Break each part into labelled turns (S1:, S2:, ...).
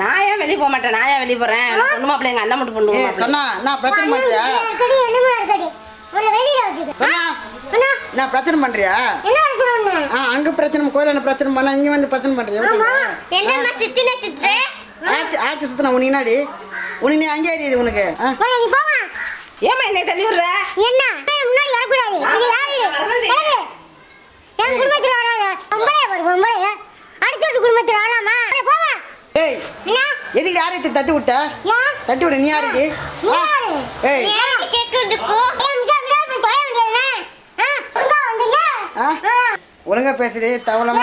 S1: நான் ஏன் வெளியே போக மாட்டேன்? நான் ஏன் வெளியே போறேன்? பொண்ணு மாப்பிள்ளை எங்க அண்ணன் மட்டும் பொண்ணு
S2: சொன்னா நான் பிரச்சனை பண்றியா? சொன்னா நான் பிரச்சனை பண்றியா? அங்க பிரச்சனை கோயில பிரச்சனை பண்ண இங்க வந்து பிரச்சனை பண்றியா? ஆர்த்தி சுத்தினா உன்னாடி உன்னை அங்கே ஏறியது உனக்கு.
S1: ஏமா என்னை தள்ளி விடுற?
S3: என்ன முன்னாடி வரக்கூடாது. இது யாரு? என் குடும்பத்துல வராத பொம்பளைய ஒரு பொம்பளைய அடுத்த குடும்பத்துல வராமா? போவா.
S2: ஏய் எதுக்கு யாரையும் தட்டி விட்ட? தட்டி விட நீ யாருக்கு? ஏய்
S3: கேக்குறதுக்கு
S2: ஒழுங்கா பேசுடி. தவளமா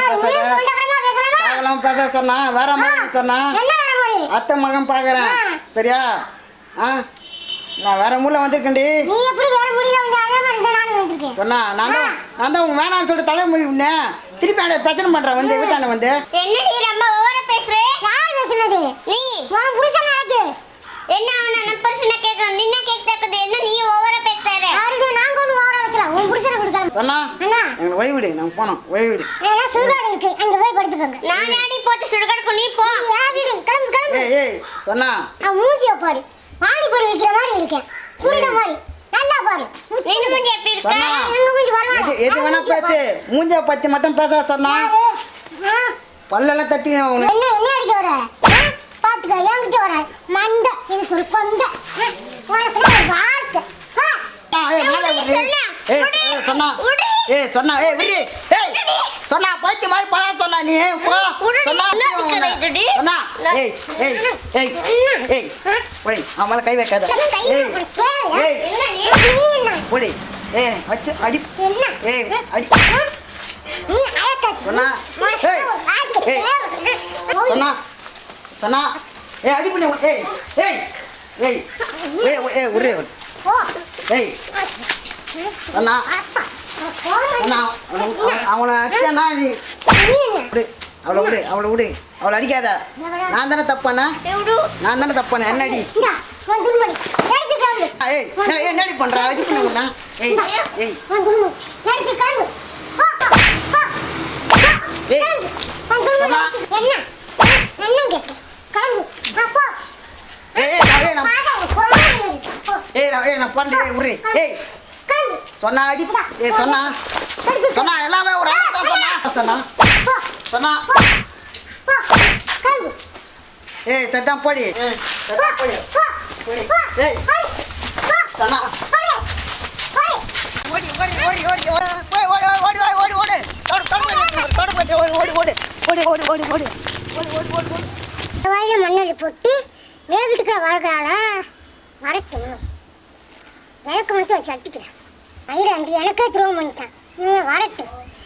S2: பேச சொன்னா வேற மகன் சொன்னா அத்தை மகன் பாக்குறேன் சரியா? நான் வேற ஊர்ல வந்திருக்கேன்டி.
S3: நீ எப்படி வேற ஊர்ல வந்து அதே மாதிரி நானும் வந்திருக்கேன்.
S2: சொன்னா நான் தான் வேணாம்னு சொல்லிட்டு தலை முடிவுனேன். திருப்பி அந்த பிரச்சனை பண்றேன் வந்து வீட்டான வந்து.
S3: என்னடி ரொம்ப ஓவரா பேசுற? யார் பேசுனது? நீ. உன் புருஷன் நடக்கு. என்ன அவன புருஷனை கேக்குறேன். நின்ன கேக்குறது என்ன நீ ஓவரா பேசுற? யாருது நான் கொண்டு ஓவரா பேசலாம். உன் புருஷனை கொடுக்கலாம்.
S2: சொன்னா எனக்கு ஓய்வு விடு. நான் போறோம் ஓய்வு விடு.
S3: ஏன்னா சுடுகாடு இருக்கு. அங்க போய் படுத்துக்கங்க. நான் ஆடி போட்டு சுடுகாடுக்கு நீ போ. யாரு கிளம்பு.
S2: ஏய் சொன்னா
S3: நான் மூஞ்சிய பாரு. மாடி போய் வைக்கிற மாதிரி இருக்கேன். குருட மாதிரி. நல்லா பாரு. நீ மூஞ்சி எப்படி இருக்க? எங்க மூஞ்சி வரவா?
S2: எது வேணா பேசு. மூஞ்சிய பத்தி மட்டும் பேச சொன்னா பல்லெல்லாம் தட்டி
S3: என்ன அடிக்க வர? பாத்துக்க என்கிட்ட வர மண்ட எனக்கு ஒரு கொண்ட உனக்கு ஒரு வார்த்தை.
S2: சொன்னா சொன்னா விடு. சொன்னா பைத்திய மாதிரி பழா சொன்னா நீ போ. சொன்னா சொன்னா அவன் மேல கை வைக்காத. போடி வச்சு அடி. அடி சொன்னா சொன்னா சொன்னா அடி பண்ணி ஒரே சொன்னா அவனை அடிச்சானா அவளை விடு அவளை அடிக்காத. நான் தானே தப்பானே என்ன அடி. என்னடி பண்ற அடி பண்ணா? நான் பண்ணல உரு. சொன்னா அடி. சொன்னா எல்லாமே ஒரு சொன்னா சொன்னா சட்டம் போடி. சொன்னா
S3: மண்ணலி போட்டு வேவிட்டுக்க வாழ்கால வரட்டும். எனக்கு மட்டும் சட்டிக்கிறேன். ஐயா எனக்கே துரோகம் பண்ணிட்டேன். வரட்டும்.